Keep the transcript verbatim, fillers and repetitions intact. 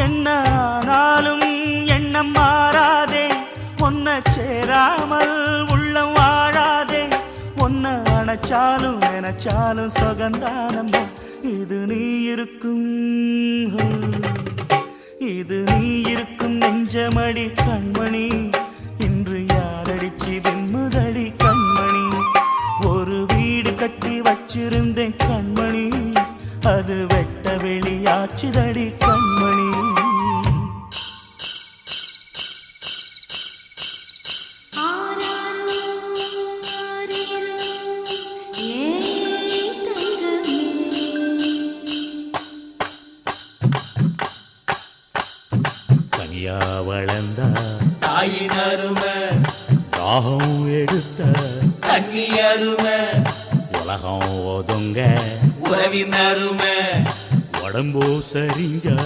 என்ன ஆனாலும் எண்ணம் மாறாதே, ஒன்ன சேராமல் உள்ளம் வாழாதே, ஒன்ன அணைச்சாலும் நினைச்சாலும் சொகந்தானம்மா. இது நீ இருக்கும் இது நீ இருக்கும் நெஞ்சமடி கண்மணி, இன்று யாரடிச்சு வெண்முதடி கண்மணி. ஒரு வீடு கட்டி வச்சிருந்தேன் கண்மணி, அது வெட்ட வெளியாச்சுதடி கண்மணி. கனியா வளர்ந்த தாயின் அருமை, தாகம் எடுத்த தண்ணி அருமை, உலகம் ஒதுங்க உறவின் அருமை, உடம்போ சரிஞ்ச